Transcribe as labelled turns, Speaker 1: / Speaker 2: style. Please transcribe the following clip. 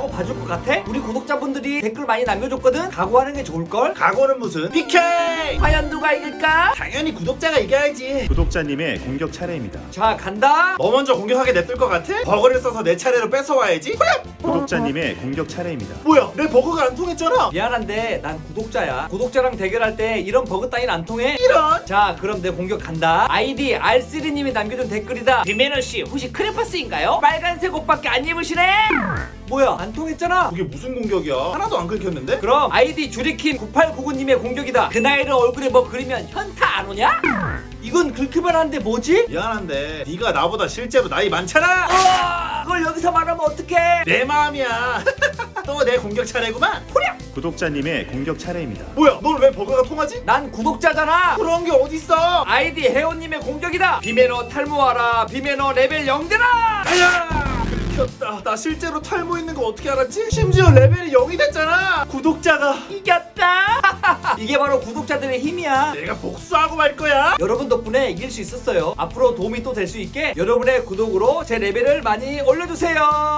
Speaker 1: 각오하고 봐줄 것 같아? 우리 구독자분들이 댓글 많이 남겨줬거든? 각오하는 게 좋을걸?
Speaker 2: 각오는 무슨 PK!
Speaker 1: 과연 누가 이길까?
Speaker 2: 당연히 구독자가 이겨야지.
Speaker 3: 구독자님의 공격 차례입니다.
Speaker 1: 자, 간다.
Speaker 2: 너 먼저 공격하게 냅둘 것 같아? 버그를 써서 내 차례로 뺏어와야지. 후렴!
Speaker 3: 구독자님의 공격 차례입니다.
Speaker 2: 뭐야, 내 버그가 안 통했잖아.
Speaker 1: 미안한데 난 구독자야. 구독자랑 대결할 때 이런 버그 따윈 안 통해.
Speaker 2: 이런.
Speaker 1: 자, 그럼 내 공격 간다. 아이디 R3님이 남겨준 댓글이다. 김민호씨 혹시 크레파스인가요? 빨간색 옷밖에 안 입으시네? 뭐야, 안 통했잖아.
Speaker 2: 그게 무슨 공격이야? 하나도 안 긁혔는데?
Speaker 1: 그럼 아이디 주리킨 9899님의 공격이다. 그 나이를 얼굴에 뭐 그리면 현타 안 오냐? 이건 긁기만 한데 뭐지?
Speaker 2: 미안한데 네가 나보다 실제로 나이 많잖아.
Speaker 1: 그걸 여기서 말하면 어떡해?
Speaker 2: 내 마음이야. 또 내 공격 차례구만.
Speaker 1: 호랴!
Speaker 3: 구독자님의 공격 차례입니다.
Speaker 2: 뭐야, 넌 왜 버그가 통하지?
Speaker 1: 난 구독자잖아.
Speaker 2: 그런 게 어딨어?
Speaker 1: 아이디 혜원님의 공격이다. 비매너 탈모하라. 비매너 레벨 0되라.
Speaker 2: 아야! 긁혔다. 나 실제로 탈모 있는 거 어떻게 알았지? 심지어 레벨이 0이 됐잖아. 구독자가.
Speaker 1: 이겼다. 이게 바로 구독자들의 힘이야.
Speaker 2: 내가 복수하고 말 거야.
Speaker 1: 여러분 덕분에 이길 수 있었어요. 앞으로 도움이 또 될 수 있게 여러분의 구독으로 제 레벨을 많이 올려주세요.